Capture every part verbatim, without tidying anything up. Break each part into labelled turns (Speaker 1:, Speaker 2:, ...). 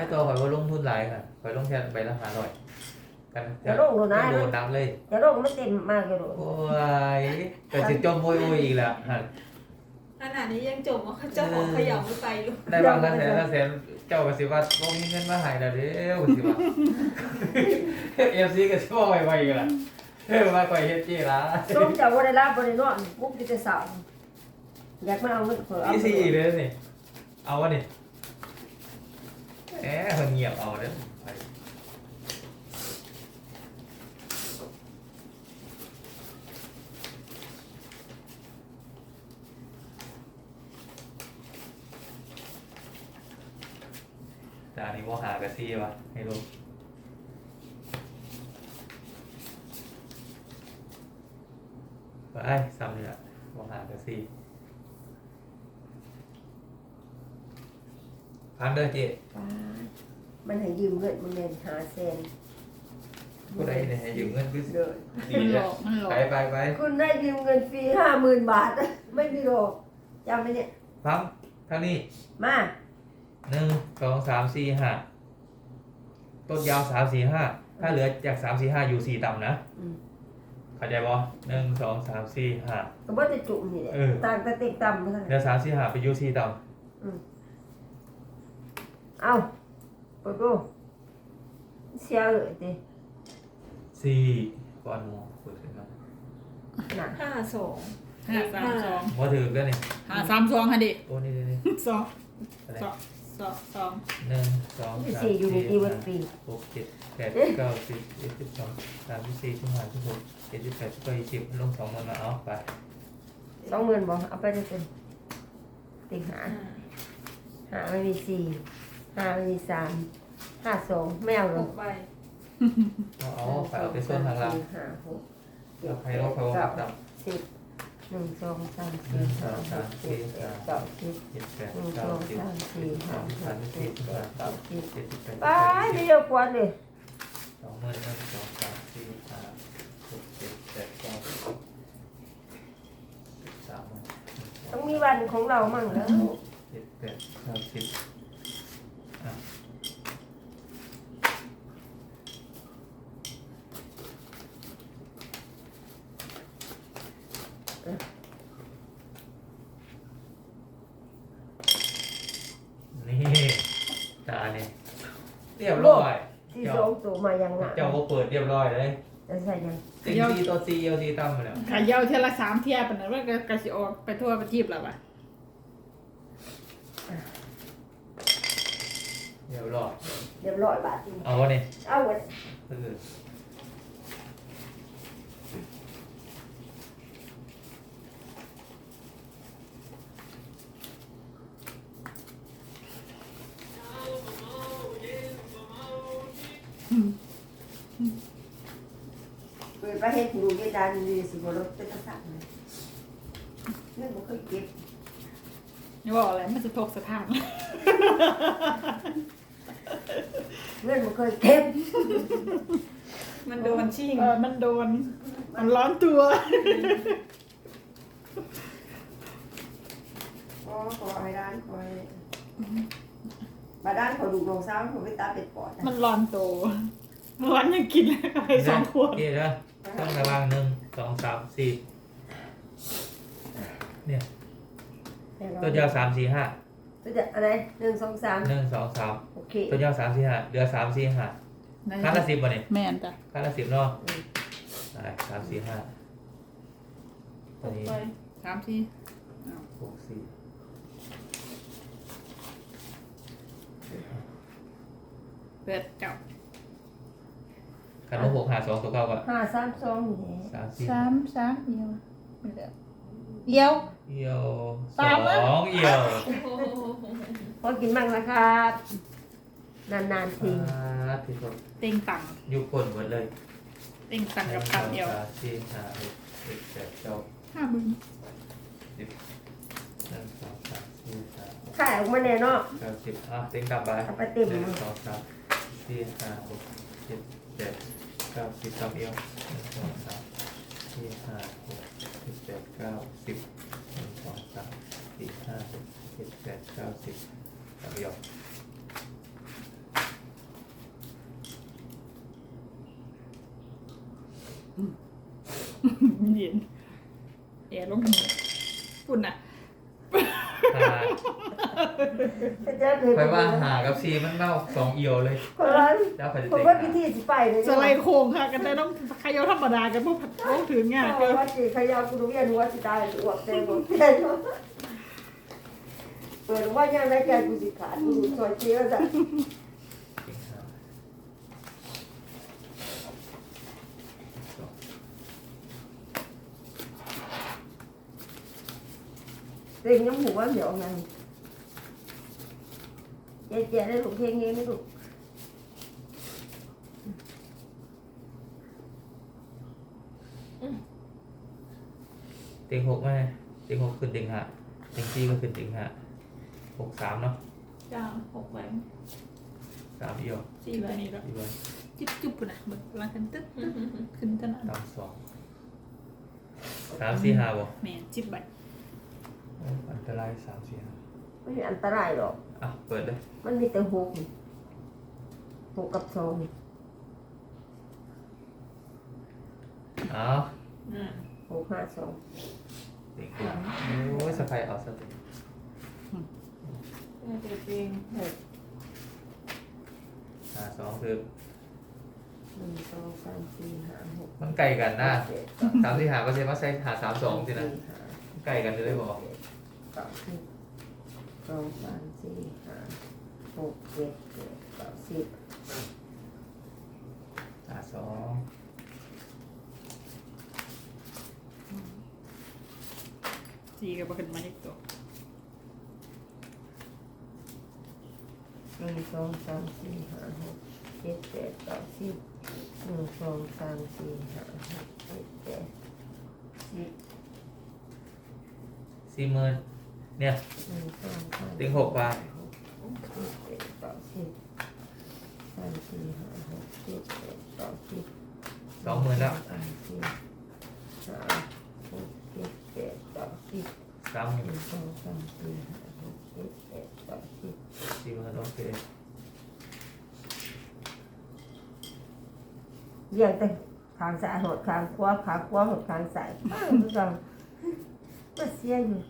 Speaker 1: ให้ตัวข่อยว่าลงทุนหลายค่ะข่อยลงแค่ใบละห้าร้อยกัน
Speaker 2: จะลงโดนนะ
Speaker 1: โดนน้ำเลย
Speaker 2: จะลงมันเต็มมากเลยโดน
Speaker 1: โอ้ยแต่สิจมโวยโวยอีกแล้วฮะ
Speaker 3: ขนาดนี้ยังจมว่าเจ้าของเขย่าไม่ไปอยู่
Speaker 1: ได้บางละแสนละแสนเจ้าก็สิว่าบ่มีเงินมาใหายแล้วเด้อสิว่า เอฟซีก็สิว่าไวๆกันล่ะเออว่าก่อยเฮ็ดจี้ล่ะ
Speaker 2: ส้มจากวันได้รับบริโนอนปุ๊บจะสาวอยากมาเอาเงินเผื่อเอา
Speaker 1: อีซี่เลยนี่เอาวะนี่แหมเพิ่นเงียบเอาเด้อไปจานี้บ่หากะซี่วะให้รู้ไปซ้ำนี่ล่ะบ่หากะซี่พันเด้อเจ๊
Speaker 2: ป้ามันให้ยืมเงินมันเงินหาแสน
Speaker 1: ผู้ใดเนี่ยให้ยืมเงินคือ
Speaker 2: เด้อ
Speaker 1: ดี
Speaker 4: มันหล
Speaker 1: เลย
Speaker 4: อกมันหลอก
Speaker 1: ไปไปไป
Speaker 2: คุณได้ยืมเงินฟรีห้าหมื่นบาท ไม่มีหรอกจำไหมเนี่ย
Speaker 1: พังทางนี้
Speaker 2: มา
Speaker 1: หนึ่งสองสามสี่ห้าต้นยาวสามสี่ห้าถ้าเหลือจากสามสี่ห้าอยู่สี่ต่ำนะ
Speaker 2: อืม
Speaker 1: เข้าใจบ่หนึ่งสองสามสี่ห้า
Speaker 2: ก็บ่จะจุ่มนี่แหละ
Speaker 1: เออ
Speaker 2: ต่างแต่เต็กต่ำมาทั้ง
Speaker 1: เหลื
Speaker 2: นั้
Speaker 1: อน สามสี่ห้าไปอยู่สี่ต่
Speaker 2: อืมเอาเปิดดูเสียเลยดิ
Speaker 1: ำสี่ก้อนหมูเปิดขึ้นมา
Speaker 2: น่ะ
Speaker 3: ห้าสอง
Speaker 4: ห้าสามสอง
Speaker 1: ว่าถือกันนี่
Speaker 4: ห้าสามสองค่ะดิ
Speaker 1: โอ้นี่นี่นี่
Speaker 4: สอง
Speaker 1: อะไร
Speaker 4: สองสองสอง
Speaker 1: หนึ่งสองสาม
Speaker 2: สี่อยู่ใน
Speaker 1: สี่
Speaker 2: ที่วั
Speaker 1: ห้า
Speaker 2: ดปี
Speaker 1: หกเจ็ดแปดเก้าสิบเอ็ดสิบสองสามสิบสี่สิบห้าสิบหกเจ็ดสิบแปดสิบเก้ายี่สิบลงสองมันมาเอาไป
Speaker 2: สองหมื่นบอกเอาไปเลยเป็นติงหา
Speaker 3: ห้า
Speaker 2: หาไม่มีสี่หาไม่มีสามห้าสองไม่เอาหร
Speaker 3: ห
Speaker 2: อก
Speaker 3: กใบ
Speaker 1: เอาเอาไปเอาไปส่วนทางล่าง
Speaker 2: หาหก
Speaker 1: เอาใครเอาใครเอาตับ
Speaker 2: สิบหนึ่งสองสาม
Speaker 1: หนึ่
Speaker 2: สี่
Speaker 1: งส
Speaker 2: ห้า
Speaker 1: อง
Speaker 2: ห
Speaker 1: สาม
Speaker 2: ก
Speaker 1: สี่
Speaker 2: เจ็ดแป
Speaker 1: ห้า
Speaker 2: ดเก้าสิบ
Speaker 1: เจ็ดแปด
Speaker 2: หนึ่งส
Speaker 1: เก้า
Speaker 2: อง
Speaker 1: สิบ
Speaker 2: สามสี่
Speaker 1: ส
Speaker 2: ห้า
Speaker 1: อง
Speaker 2: ห
Speaker 1: สาม
Speaker 2: ก
Speaker 1: สี่
Speaker 2: เจ็ด
Speaker 1: ห้า
Speaker 2: แปดเก้าสิบ
Speaker 1: เจ็ดสิบแปด
Speaker 2: ไปไม่เยอะกว่าเลย
Speaker 1: สองหมื่นหนึ่งสองสามสี่ห้าหกเจ็ดแปดเก้าสิบสามหมื่น
Speaker 2: ต้องมีวันของเรามั่งแล้ว
Speaker 1: เจ็ดแปดเก้าสิบอ่ะนี่ตาเนี่ยเรียบร้อย
Speaker 2: ที่สองตัวมายังหนัก
Speaker 1: เจ้าก็เปิดเรียบร้อยเลย
Speaker 2: จะใส่ยัง
Speaker 1: ซิงซีตัวซีเอลซีตั้มมาแล้ว
Speaker 4: ขายเยาเทยละสามเทียบนะว่าก็กระสิออกไปทั่วประเทศแล้วป่ะ
Speaker 1: เรียบร้อย
Speaker 2: เรียบร้อยบาทจริง
Speaker 1: เอาวะเนี่ย
Speaker 2: เอาไว้
Speaker 1: เออ
Speaker 2: เปิดประเทศดูเยดานดีสิบรถเป็นตะสั่งเลยเรื่องมันเคยเก็บ
Speaker 4: นี่บอกอะไรมันจะทกสถาน
Speaker 2: เรื่องมันเคยเก็บ
Speaker 3: มันโดนชิ่ง
Speaker 4: เออมันโดนมันร้อนตัว
Speaker 2: อ๋อขอให้ด้านคอยมาด้านขอดูโรงซ้ำผมไม่ตาเป็ดปอด
Speaker 4: มันร้อนตัวเมื่อวานยังกินเลยไปสองขวด
Speaker 1: นี่นะต้องระวังหนึ่งสองสามสี่เนี่ยตัวยาวสามสี่ห้า
Speaker 2: ตัวจะอะไรหนึ่งสองสาม
Speaker 1: หนึ่งสองสาม
Speaker 2: โอเค
Speaker 1: ตัวยาวสามสี่ห้าเหลือสามสี่ห้าค่าละสิบวะเนี่ย
Speaker 4: แม่นจ้ะ
Speaker 1: ค่าละสิบเนาะได้สามสี่ห้า
Speaker 3: ห
Speaker 1: ตัว
Speaker 3: ก
Speaker 1: นี้
Speaker 3: ใบ
Speaker 4: สามสี่
Speaker 1: หกสี่
Speaker 4: เปิดเจ้า
Speaker 1: คันว่าหกหาสองตัวเก้าก็
Speaker 2: ห้าสามสองนี่แหละ
Speaker 1: สามสี่
Speaker 4: สามสามเอียวไม่เหลือเอียว
Speaker 1: เอี่ยวส
Speaker 4: สามนะ
Speaker 1: องเอี่ยว
Speaker 3: โอ้โห
Speaker 2: พอกินบ้างนะครับนานๆที
Speaker 1: อ่าที่สุด
Speaker 4: เต็งตัง
Speaker 1: ยุคคนหมดเลย
Speaker 4: เต็งตังกับ
Speaker 1: ห
Speaker 4: ตั
Speaker 1: นึ่
Speaker 4: ง
Speaker 1: ง
Speaker 4: เอียว
Speaker 1: สองสามสี่ห้าหกเจ็ดแปดเก้า
Speaker 4: ห้าหมื่น
Speaker 1: สิบหนึ่งสองสามสี่ห้าหก
Speaker 2: ขายออกมาแน่เนาะ
Speaker 1: เก้าสิบอ่ะเต็งกลับไป
Speaker 2: เอาไปเต็ม
Speaker 1: หนึ่งสองสามสี่ห้าหกเจ็ดแปดเก้าสิบสามเอี่ยวหนึ่งสองสามสี่ห้าหกเจ็ดแปดเก้าสิบหนึ่งสองสามสี่ห้าหกเจ็ดแปดเก้าสิบสามเอี่ยว
Speaker 4: เย็นแอร์ลงหัวฝุ่นอ่ะ
Speaker 1: หา
Speaker 2: จะเคย
Speaker 1: ไปว่าหากับซีมันเล่าสองเอียวเลย
Speaker 2: คนละ
Speaker 1: เจ้าไปจะ
Speaker 2: ผม
Speaker 1: ติง
Speaker 2: ว่าพิธีสิไปเลย
Speaker 4: สไลด์โค้งค่ะกันแต่ต้องขยอธรรมดากันพวกผัดโค้งถือง่าย
Speaker 2: เอ
Speaker 4: เกิ
Speaker 2: อน ว่าสิขยาวกูรู้ยันว่าสิตายอวกเต็มหมดเต็มเปิดว่ายังได้แกกูสิขาดกูซอยเชี่ยวจ้ะ
Speaker 1: ติงหาสอง
Speaker 2: เต็งน้ำหัวเดี๋ยวไงเจ๊เจ๊ได้ลูกเพลงนี้ไม่ลูก
Speaker 1: ติงหกไหมติงหกขึ้นติงหาติงซีก็ขึ้นติงหาหกสามเนาะ
Speaker 3: จ้าหกใบ
Speaker 1: สามเอียว
Speaker 3: สี่
Speaker 4: ที่
Speaker 3: ใบ
Speaker 4: ตัวนี้แล้ว
Speaker 1: ดีไว้
Speaker 4: จิ๊บจุ๊บปุ่นอ่ะเหมือนรังกันตึ๊ดตึ๊ดขึ้นตนาด
Speaker 1: ตามสองสามสี่ห้าบ่
Speaker 4: แม่จิ๊บใบ
Speaker 1: โอ้อันตรายสามสี่ห้า
Speaker 2: ไม่มีอันตรายหรอก
Speaker 1: อ่ะเปิดเลย
Speaker 2: มันมีแต่หกนี่หกกับสองนี่
Speaker 1: เอ้า
Speaker 3: อืม
Speaker 2: หกห้าสอง
Speaker 1: ติงหาโอ้ยสะพายเอาสติ
Speaker 3: น่าจะเป็นหก
Speaker 1: หาสองคือ
Speaker 2: หนึ่งสองสามสี่ห้าหก
Speaker 1: มันไกลกันนะ
Speaker 2: เจ็ด
Speaker 1: สามสี่หาก็ใช่ว่าใช่หาสามสองสินะ
Speaker 2: สี่ห้า
Speaker 1: ไกลกันเลยบอก
Speaker 2: เก้าสิบสองสามสี่ห้าหกเจ็ดแปดเก้าสิบ
Speaker 1: หาสอง
Speaker 4: สี่กับขึ้นมาอีกตัว
Speaker 2: หนึ่งสองสามสี่ห้าหกเจ็ดแปดเก้าสิบหนึ่งสองสามสี่ห้าหกเจ็ดแปดสิบ
Speaker 1: สี่หมื่นเนี่ย
Speaker 2: หนึ่งสองสาม
Speaker 1: ติงหกบาท
Speaker 2: หกเจ็ดแปดเก้าสิบสามสี่ห้าหกเจ็ดแปดเก้าสิบ
Speaker 1: สองหมื่นแล้ว
Speaker 2: สามสี่ห้าหกเจ็ดแปดเก้าสิบ
Speaker 1: สามห
Speaker 2: ห
Speaker 1: มื่น
Speaker 2: นึ่งสองสามสี่ห้าหกเจ็ดแปดเก้าสิบ
Speaker 1: สี่หมื่นโอเค
Speaker 2: เรียงแต่ขางซ้ายหดขางขวาขางขวาหดขางซ้ายป้าทุกอย่างก็เสียอยู่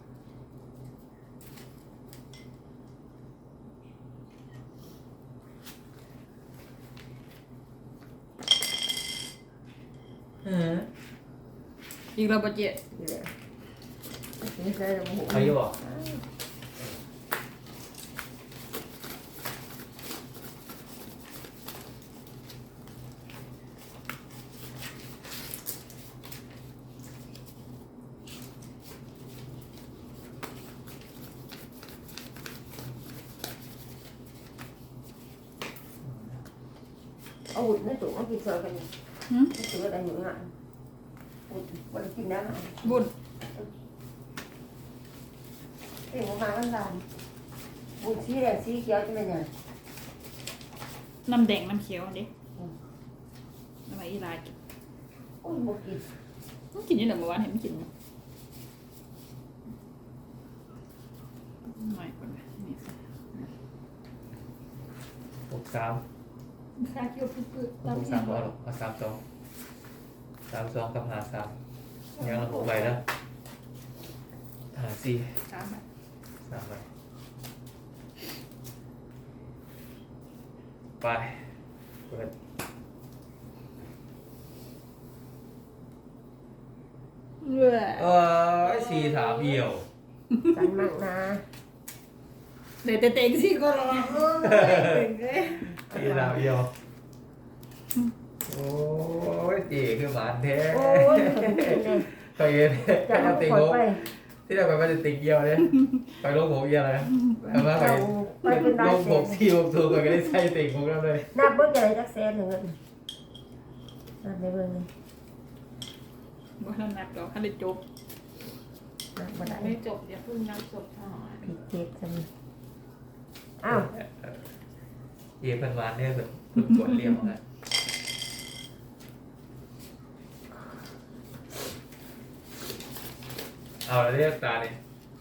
Speaker 1: เออ
Speaker 4: อีกเราปะเจ็ด
Speaker 2: นี่แหละนี่ใช่โอ้โห
Speaker 1: เขาอยู่บอก
Speaker 2: เอาหุ่นในตู้มากินเสือกันนี่
Speaker 4: หืม
Speaker 2: เสืออะไรอยู่อ่ะหุ่นวันกินน้ำอ่ะ
Speaker 4: บุญ
Speaker 2: เอ็งมาบ้านบ้านบุญสีแดงสีเขียวจะเป็นยัง
Speaker 4: น้ำแดงน้ำเขียวอันนี้น้ำอะไรอีลายกิน
Speaker 2: โอ้ยบุกิน
Speaker 4: มันกินอยี่ไหนเมื่อวานเห็นมันกินมั้ยไม่ก่อนนะนี่สิ
Speaker 1: หกสาม
Speaker 3: ค่าเกี่ยวพืชๆ
Speaker 1: หกสามบอลเอาสามสองสามสองกับหาสามยังละหกใบแล้วหาสี่
Speaker 4: สามใบ
Speaker 1: สามใบไปเปิด
Speaker 4: เว้ย
Speaker 1: เออสี่สามเอี่ยว
Speaker 2: สันมั่งนะ
Speaker 4: เดี๋ยวเต็งสิก็รอ
Speaker 3: เก่งเลย
Speaker 1: สี่สามเอี่ยวโอ้ยจีคือหมานแท้
Speaker 2: โอ้ยเป็นเลย
Speaker 1: เคยเห็น
Speaker 2: จะ
Speaker 1: จะ
Speaker 2: เอา
Speaker 1: ติง
Speaker 2: คอย
Speaker 1: หก
Speaker 2: ไป
Speaker 1: ที่เราไปมันจะติงเอี่ยวเลยไปลงหกเอี่ยวเลยแต่ว่าไป
Speaker 2: ไปเป็นได้
Speaker 1: ลง
Speaker 2: แส
Speaker 1: หก
Speaker 2: น
Speaker 1: สี่หกสูงก็ได้ใส่ติงหกแล้วเลย
Speaker 2: นับเบิ้งใหญ่จักแสนหนึ่งเลยนับไปเบิ้งเลย
Speaker 4: บ่ทันนับดอกคันได้จบ
Speaker 2: นับบ่ได้
Speaker 3: ไม่จบอย่าเพิ่งนับจบหน่อย
Speaker 2: ผิดเจ็ดจังอ้าว
Speaker 1: เยี่ยพันวานเนี่ยแบบฝึกกดเรียงนะเอาแล้วเรียกตาเนี่ย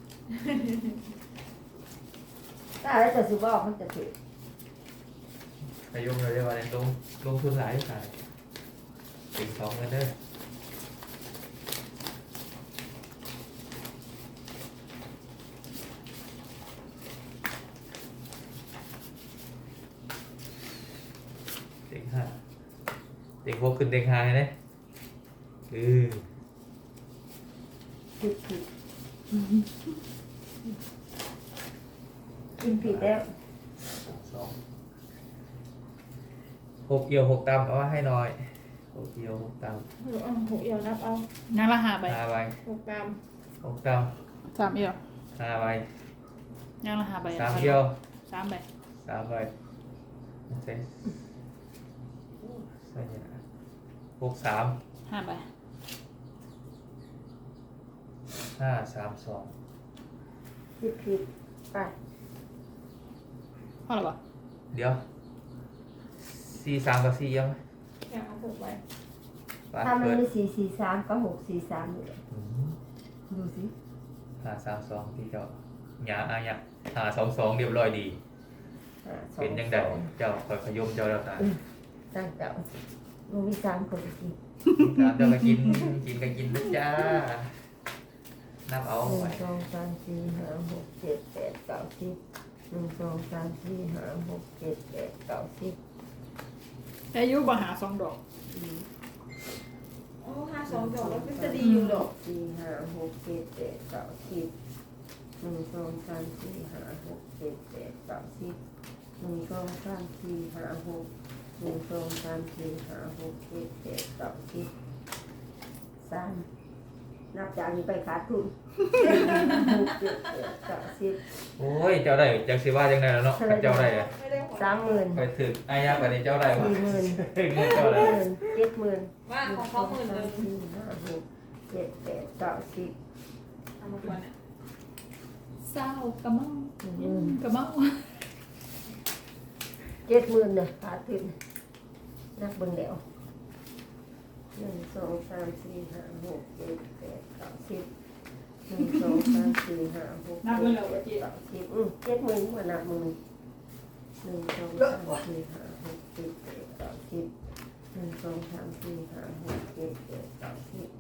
Speaker 2: ถ้าอะไรจะสิบอกมันจะถือ
Speaker 1: ไปยุ่งเลยเรียกว่าเนี่ยลงลงทุนหลายขายติงสองกันเด้อติงห้าติงหกขึ้นติงห้าเลยเออ
Speaker 2: ผิดผิดกินผิดแล้ว
Speaker 1: สองหกเอียวหกตำเอามาให้หน่อยหกเอียวหกต
Speaker 3: เอาหกเอี่ยวนับเอา
Speaker 4: งั้นละหาใบ
Speaker 1: ำห้าใบ
Speaker 3: หกกรัม
Speaker 1: หกต
Speaker 4: สามเอียว
Speaker 1: ำห้าใบ
Speaker 4: งั้นละหาใบ
Speaker 1: สามเอียว
Speaker 4: สามใบ
Speaker 1: สามใบเซ็ใส่เนี่ยนะหกสาม
Speaker 4: ห้าใบ
Speaker 1: ห้าสามสอง
Speaker 2: ผิดผิดไป
Speaker 4: พอหรอปะ
Speaker 1: เดี๋ยวสี่สามกับสี่เอียวไหม
Speaker 3: แค่เอาหกใบ
Speaker 1: ไป
Speaker 2: ถ้ามัน
Speaker 1: เปิด
Speaker 2: มีสี่สี่สามก็หกสี่สามอยู่เลย
Speaker 1: อืม
Speaker 2: ดูสิ
Speaker 1: ห้าสามสองที่เจ้าหยาอาหยาห้าสองสองเรียบร้อยดี
Speaker 2: ห้าสอ
Speaker 1: เป็นยังไง
Speaker 2: สอง
Speaker 1: เจ้าคอยขยมเจ้าแล้วตา
Speaker 2: ตั้งเจ้าลูกมีสามคนสิ
Speaker 1: ตามเจ้าก็กินกินก็กินนะจ้านับเอา
Speaker 2: หนึ่
Speaker 1: ไว้
Speaker 2: งสองสามสี่ห้าหกเจ็ดแปดเก้าสิบหนึ่งสองสามสี่ห้าหกเจ็ดแปดเก้าสิบ
Speaker 4: อายุบ่หาสองดอก
Speaker 3: โอ้ห้าสองดอกแล้วก็จะดีอยู่ดอก
Speaker 2: สี่ห้าหกเจ็ดแปดเก้าสิบหนึ่งสองสามสี่ห้าหกเจ็ดแปดเก้าสิบหนึ่งสองสามสี่ห้าหกหนึ่งสองสามสี่ห้าหกเจ็ดแปดเก้าสิบสามนับจากนี้ไปขาดทุนหกเจ็ดแปดเก้าสิบ
Speaker 1: โอ้ยเจ้าได้จากสิว่าจังไดแล้วเนาะถ้าเจ้าได้อะ
Speaker 3: ไม่ได้หัว
Speaker 2: สามหมื่น
Speaker 1: ไปถึงอายาแบบนี้เจ้าได้วะ
Speaker 2: สี่หมื่น
Speaker 1: เงิน
Speaker 2: ห
Speaker 1: เจ้าก ได้
Speaker 2: หมื่นเจ็ดหมื่น
Speaker 3: ว่าของเขาหมื่นหนึ่ง
Speaker 2: สี่ห้าหกเจ็ดแปดเก้าสิบ
Speaker 3: ทำมาก่อนเนี่ย
Speaker 4: เศร้ากระเมากระเมา
Speaker 2: เจ็ดหมื่นเนี่ยขาดทุนนักเบิ่งเดียวหนึ่งสองสามสี่ห้าหกเจ็ดแปดเก้าสิบหนึ่งสองสามสี่ห้าหกเจ็ดแปดเก้าสิบอืมเจ็ดหมื่นกว่านับหมื่นหนึ่งสองสามสี่ห้าหกเจ็ดแปดเก้าสิบหนึ่งสองสามสี่ห้าหกเจ็ดแปดเก้าสิบ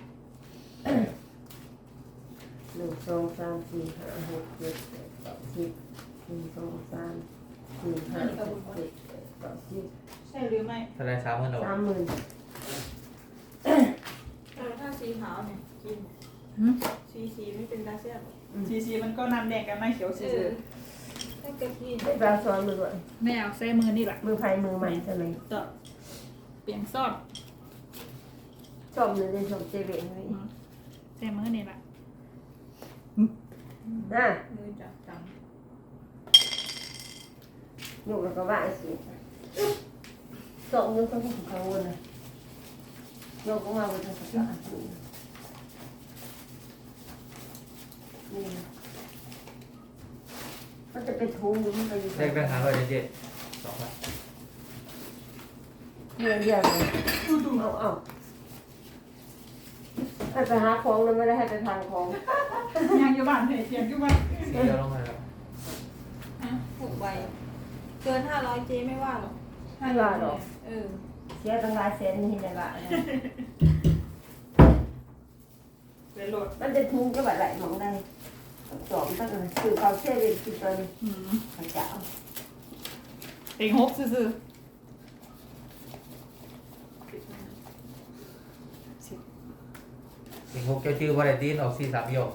Speaker 2: หนึ่งสองสามสี่ห้าหกเจ็ดแปดเก้าสิบหนึ่งสองสามสี่ห้าหกเจ็ดแปดเก้าสิบ
Speaker 3: ใช่หรือไม่
Speaker 1: เท่าไรสามหมื่นหรอ
Speaker 2: สามหมื่น
Speaker 3: เออถ้าสีขาวเนี่ยกินสีสีไม่เป็นตาเซียนหรอก
Speaker 4: ซีซีมันก็นำแดงกันไม่เขียว
Speaker 3: เอ
Speaker 4: ซี
Speaker 3: อถ้ากะทิ
Speaker 2: ได้ปลาซ้อนมือด้วย
Speaker 4: แม่เอาใส่มือนี่แหละ
Speaker 2: มือไผ่มือมันใช่ไหม
Speaker 4: ต่อเปลี่ยนซ่อน
Speaker 2: ชอบเลยชอบเจเวนนี่
Speaker 4: ใส่มือนี่แหละ
Speaker 2: น่ะ
Speaker 3: มือจับจัง
Speaker 2: อยู่แล้วก็ว่าสิสองนิ้วก็ต้องกังวลนะโยกก็มาบนทางสายนี่มันจะเป็นทุงหรือมันจะอยู่
Speaker 1: ได้แบงค์หาร้อยเจ็ดสองพัน
Speaker 2: เรียนเรียนเลยเอาเอาให้ไปหาของเลยไม่ได้ให้ไปทางของ
Speaker 4: ยังอยู่บ้านเเตรียมอยู่บ้าน
Speaker 1: สี่เดียวลงมาแล้ว
Speaker 3: ฮะหกใบเกินห้าร้อยเจไม่ว่าหรอก
Speaker 2: ไม่ว่าหรอก
Speaker 3: เออ
Speaker 2: เสียตั้งหลายแสนนี่ได้ละ
Speaker 4: เลยโหลด
Speaker 2: มันจะทุงก็แบบไหลมองได้สองตั้งแต่คือเขาเชื่อเป็นคือตอน
Speaker 4: อืม
Speaker 2: พระเจ้า
Speaker 4: เต็งหกซื่อ
Speaker 1: สิงหกเจ้าชื่อว่าอะไรตีนออกสี่สามเอียว
Speaker 4: ๆ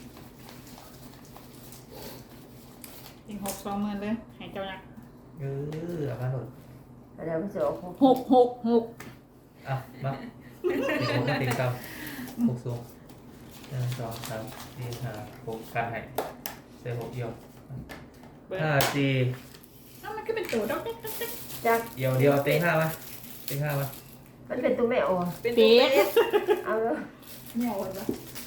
Speaker 4: เต็งหกสองหมื่นเลยให้เจ้ายักษ์
Speaker 1: เออเอามาหมด
Speaker 2: อะไรมันจะออก
Speaker 4: หกหกหก
Speaker 1: อ่ะมาสิงหกมาติดกับหกสูงหนึ่งสองสามสี่ห้าหกกันให้เส้หกเอียว
Speaker 4: เบิร์
Speaker 1: ห้าสี่
Speaker 4: น้ามันก็เป็นตัวดอกเด็กดอกเด็ก
Speaker 2: จัก
Speaker 1: เอียวเดียวเต็งห้ามาเต็งห้ามา
Speaker 2: มันเป็นตัวแม่อ่อน
Speaker 3: เป็นตัวเลข
Speaker 2: เอาแล้ว
Speaker 4: เหนียวเลยปะ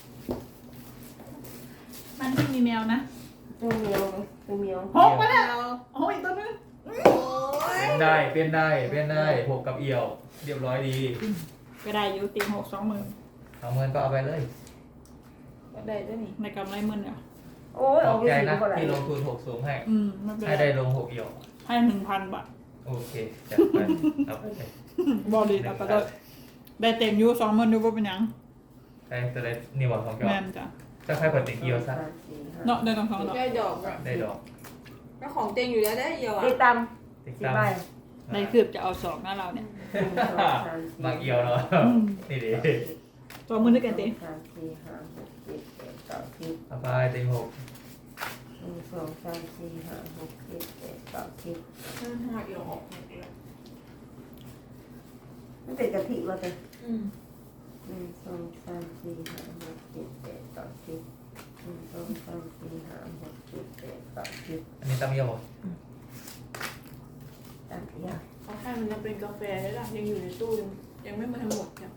Speaker 4: มันไม่มีแมวนะ
Speaker 2: ตัวเมียวตัวเมียว
Speaker 4: หกมาแล้วโอ้ยตัวนึง
Speaker 3: โอ้ย
Speaker 1: เป็นได้เป็นได้เป็นได้หกกับเอียว เรียบร้อยดี
Speaker 4: ก็ได้อยู่ตีหกสองหมื่น
Speaker 1: เอาเงินก็เอาไปเลย
Speaker 3: ก็ได้ด้วยนี่
Speaker 4: ในกำไรหมื่นเดียว
Speaker 2: โอ้ย
Speaker 1: ข
Speaker 2: อ
Speaker 1: อ
Speaker 2: อบ กไป
Speaker 1: ใจ
Speaker 2: สี่
Speaker 1: นะ
Speaker 2: ก็ได้
Speaker 1: ที่ลงทุนหกสูงให้
Speaker 4: อืมไม่เป็น
Speaker 1: ให้
Speaker 4: ไร
Speaker 1: ได้ลงหกเอียว
Speaker 4: ให้หนึ่งพันบาท
Speaker 1: โอเคจัดไปเอาไป
Speaker 4: บอลลีนเอาไปเลยได้เต็มอยูสองหมื่นอยูบ่เป็นหยัง
Speaker 1: ได้จะได้นี่บอกของเจ้า
Speaker 4: แม่นจ้ะ
Speaker 1: จะใครเปิดติ่งเอียวซะ
Speaker 2: สามสี่ห้า
Speaker 4: เนาะได้ต้องสองดอก
Speaker 3: ได้ดอกอะ
Speaker 1: ได้ดอก
Speaker 3: ก็ของเต็งอยู่แล้วได้เดียวอ่ะ
Speaker 2: ได้ต
Speaker 1: ติ่ง
Speaker 2: ำสี่
Speaker 1: ตาม
Speaker 2: ใบ
Speaker 4: ได้คืบจะเอาสองหน้าเราเนี่ย
Speaker 2: หนึ่งสองสามสี่
Speaker 1: บางเอียวเนาะนี่ดิ
Speaker 4: สองหมื่นด้วยกันเต็ม
Speaker 2: สามสี่ห้าหกเจ็ดแปดเก้าสิบ
Speaker 1: เอาไปติ่งหก
Speaker 2: หนึ่งสองสามสี่ห้าหกเจ็ดแปดเก้าสิบ
Speaker 3: ห้าห้าเอียวออกหมดเลย
Speaker 2: มันเป็นกะทิวะเต้
Speaker 3: อืม
Speaker 2: หนึ่งสองสามสี่ห้าหกเจ็ดแปดเก้าสิบหนึ่งสองสามสี่ห้าหกเจ็ดแปดเก้าสิบ
Speaker 1: อันนี้ตามเอียวบ่
Speaker 2: ตามยา
Speaker 3: เขาให้มันยังเป็นกาแฟได้ละยังอยู่ในตู้ยังยังไม่มาทั้งหมดเนี่ย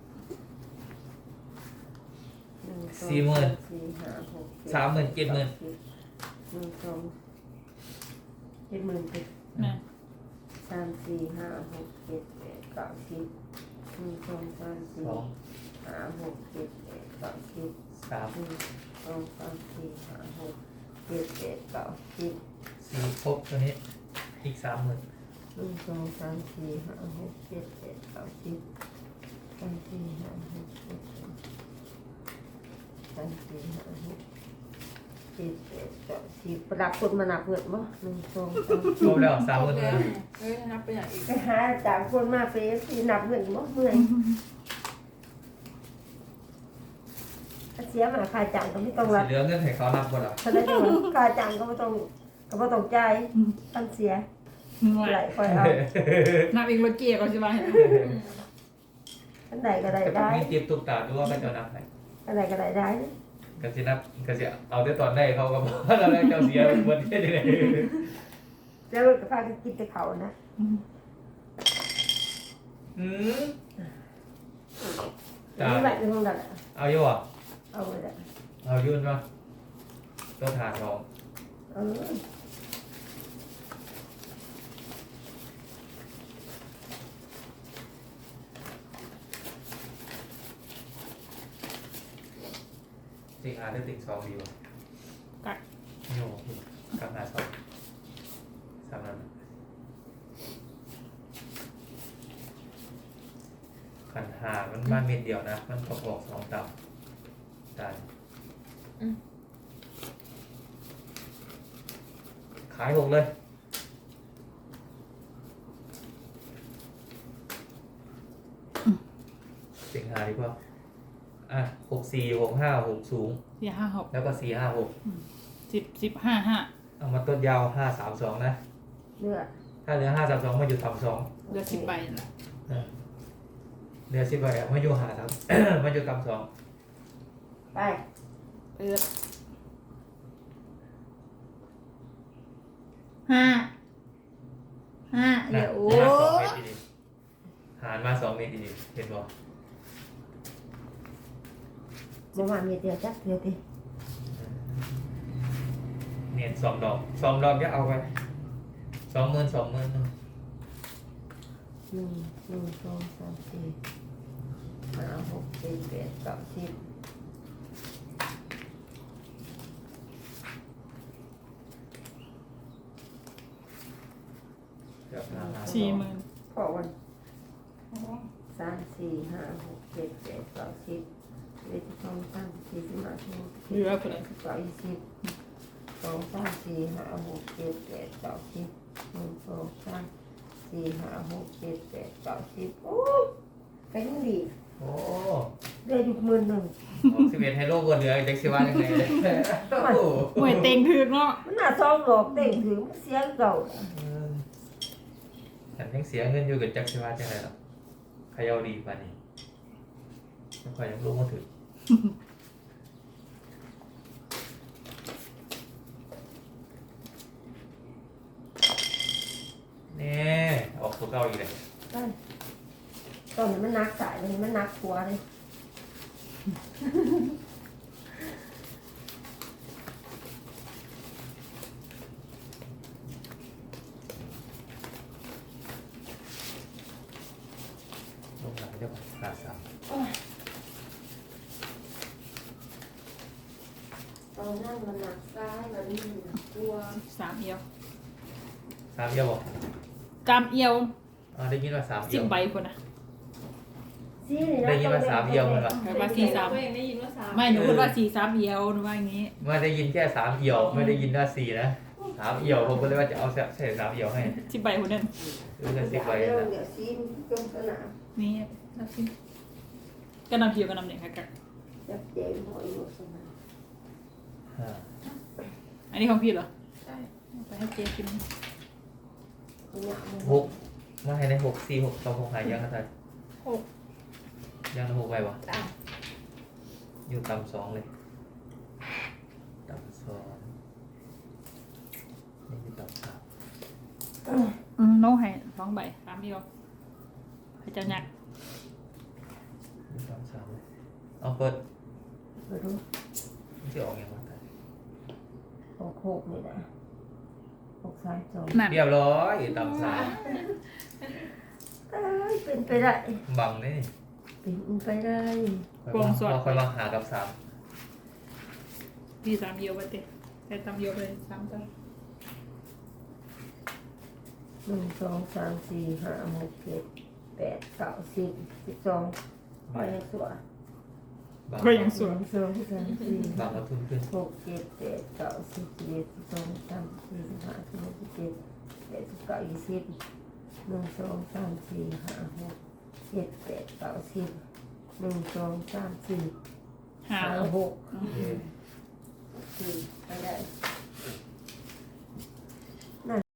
Speaker 2: หนึ่งสอง
Speaker 1: สี่หมื่น
Speaker 2: สี่ห้าหก
Speaker 1: สามหมื่นเจ็ดหมื่น
Speaker 2: หนึ่งสองเจ็ดหมื่นสิบ
Speaker 4: แม่น
Speaker 2: สามสี่ห้าหกเจ็ดแปดเก้าสิบหนึ่งสองสามสี่
Speaker 1: สอง
Speaker 2: ห้าหกเจ็ดแปดเก้าสิบ
Speaker 1: สาม
Speaker 2: หนึ่งสองสามสี่ห้าหกเจ็ดแปดเก้าสิบ
Speaker 1: สี่ครบตัวนี้อีกสามหมื่น
Speaker 2: หนึ่งสองสามสี่ห้าหกเจ็ดแปดเก้าสิบสามสี่ห้าหกเจ็ดแปดสามสี่ห้าหกเจ็ดแปดเก้าสิบประดับคนมาหนักเงินบ่หนึ่งสองสาม
Speaker 1: คร
Speaker 2: สี่
Speaker 1: บแล้วสามหมื่น
Speaker 3: แล้
Speaker 1: เล
Speaker 3: วย เฮ้ยนับไปอย่างอีก
Speaker 2: ไปหาจากคนมาเฟสที่หนักเงินบ่เมื่อยถ้าเสียมาค่าจ้างก็ไม่ต้อง
Speaker 1: สี
Speaker 2: รับ
Speaker 1: เหลืองเงินให้เขานับบ่ล่ะ
Speaker 2: ถ้าได้จังหวะค่าจ้างก็ไม่ต้องก็ไม่ต้องจ่ายตั้งเสีย
Speaker 4: หน่วย
Speaker 2: ไหลคอยเอา
Speaker 4: นับอีกรถเกียร์ก่อนสิว่า
Speaker 3: อืม
Speaker 2: อันใดก็ได้
Speaker 1: แต่
Speaker 2: ได้
Speaker 1: มีเตรียมตุ๊กตาดูว่าเขาจะนับไหน
Speaker 2: อันใดก็ได้ได้
Speaker 1: ก็สินับก็สิเอาได้ตอนได้เขาก็บอกว่าเราได้เจ้าเสียบนที่ไหน
Speaker 2: แล้วก็พากันกินแต่เขานะ
Speaker 4: อืม
Speaker 1: อืม
Speaker 2: นี่แบบในห้องดับ
Speaker 1: เอาอยู่อ่ะ
Speaker 2: เอาไปละ
Speaker 1: เอายุ่นป่ะตัวถาดรอง
Speaker 2: เออ
Speaker 1: ติงอาร์ได้ติงสองดีวะ
Speaker 4: กัด
Speaker 1: โย่กับหน้าสองสามนั้นขันหามันมาเม็ดเดียวนะ มันประกอบสองต่ำตายขายหกเลยติงหาดีกว่าอ่ะหกสี่หกห้าหกสูง
Speaker 4: สี่ห้าหก
Speaker 1: แล้วก็สี่ห้าหก
Speaker 4: สิบสิบห้าห้า
Speaker 1: เอามาต้นยาวห้าสามสองนะ
Speaker 2: เนื้อ
Speaker 1: ถ้าเหลือห้าสามสองมาอยู่ต่ำสอง
Speaker 4: เหลือสิบใบนั่นแหละ
Speaker 1: เหลือสิบใบอะมาอยู่หาสาม มาอยู่ต่ำสอง
Speaker 2: ไป
Speaker 4: เปิดห้าห้าเหลือโอ้
Speaker 1: หารสองเมตรดีๆหารมาสองเมตรดีๆเห็นบ่
Speaker 2: จะมามีเดียวจักเดียวที
Speaker 1: เนียนสองดอกสองดอกจะเอาไปสองหมื่นสองหมื่น
Speaker 2: หนึ่งหนึ่งสองสามสี่ห้าหกเจ็ดแปดเก้าสิบ
Speaker 1: เกือบห้าห้า
Speaker 4: สี่หมื่น
Speaker 2: พอวันสามสี่ห้าหกเจ็ดแปดเก้าสิบเอ็ดสิบสองสามสี่สิบห้าสิบหก
Speaker 4: เหลือคนไหน
Speaker 2: สิบเก้ายี่สิบสองสามสี่ห้าหกเจ็ดแปดเก้าสิบหนึ่งสองสามสี่ห้าหกเจ็ดแปดเก้าสิบโอ้ก็ยังดี
Speaker 1: โอ้
Speaker 2: ได้อยู่หมื่นหนึ่ง
Speaker 1: สิบเอ็ดไฮโลบนเหลือเด็กสิว่ายังไงเลยโอ้โห
Speaker 4: หน่วยเต็งถึกเนาะ
Speaker 2: มันน่าซองดอกเต่งถือมันเสียเก่า
Speaker 1: ฉันยังเสียเงินอยู่กับจักรสิว่าจังไรหรอขยาวดีป่านนี้ไม่ค่อยยังรู้มาถึงนี่ออกตัวเก้าอีกเลย
Speaker 2: ได้ตอนนี้มันนักสายเลยมันนักหัวเลย
Speaker 1: ลงหลังเดี๋ยวขาดสาม
Speaker 2: ตอนนั้นมันนักซ้ายมันนี่มันนักหัว
Speaker 4: สามเอียว
Speaker 1: สามเดียวบอก
Speaker 4: กามเอียว
Speaker 1: อ๋อได้ยินว่าสามเดี
Speaker 4: สิ
Speaker 1: ย
Speaker 4: บ
Speaker 1: ว
Speaker 4: ใบคนน่ะ
Speaker 2: สสี่นี่นะ
Speaker 1: ได้ยินว่าสามเอียวมันวะ
Speaker 4: แปลว่าสี่สาม
Speaker 3: เองได้ยินว่าสาม
Speaker 4: ไม่หนูพูดว่าสี่สามเอียวหนูว่าอย่างนี้
Speaker 1: ไม่ได้ยินแค่สามเอียวไม่ได้ยินว่าสี่นะสามเอียวผมก็เลยว่าจะเอาใส่สามเอียวให้
Speaker 4: สิบใบคนนั้น
Speaker 1: หรือจะสิบใบ
Speaker 2: เดี๋ยว
Speaker 1: นะ
Speaker 2: เดี๋ยวซีนจงสนาม
Speaker 4: นี่นับสิก็นำเขียวก็นำเด็กค่ะกัก
Speaker 2: จับเจมหอยหมดสนาม
Speaker 1: ห้า
Speaker 4: อันนี้ของพี่เหรอ
Speaker 3: ใช่
Speaker 4: เอาไปให้เจ๊กิน
Speaker 2: เนี่ยมัน
Speaker 1: หกมาให้ในหกสี่หกสองหกหายยังกันไทย
Speaker 3: หก
Speaker 1: ยังในหกใบวะ
Speaker 3: สาม
Speaker 1: อยู่ต่ำสองเลยต่ำสองนี่คือต่ำสาม
Speaker 4: อืมโน้ให้สองใบสามเอียวให้เจ้าหยัก
Speaker 1: อยู่ต่ำสามเลยเอาเปิด
Speaker 2: ไปดู
Speaker 1: จะออกยังไงไทย
Speaker 2: หกหกนี่นะหกสามสอง
Speaker 4: นั่น
Speaker 1: เรียบร้อยต่ำสาม
Speaker 2: เอ้ยเป็นไปได้
Speaker 1: บังนี่
Speaker 2: เป็นไปได้
Speaker 1: ค่อยมาค่อยมาหากับสาม
Speaker 4: พี่สามเอียวไปเตะใส่สามเอียวไปสามใบ
Speaker 2: หนึ่งสองสามสี่ห้าหกเจ็ดแปดเก้าสิบสิบสองไปยังสวย
Speaker 1: บัง
Speaker 4: ก็ยังส
Speaker 2: ส
Speaker 4: ว
Speaker 2: อย งสองสามสี่
Speaker 1: บังกระทุนขึ้น
Speaker 2: หกเจ็ดแปดเก้าสิบสิบเอ็ดสิบสองสามสี่สิบห้าสิบหกสิบเจ็ดแปดสิบเก้ายี่สิบหนึ่งสองสามสี่ห้าหกเจ็ดแปดเก้าสิบหนึ่งสองสามสี่
Speaker 4: ห้า
Speaker 2: ห้า
Speaker 4: หก
Speaker 2: หกสี่ไปได้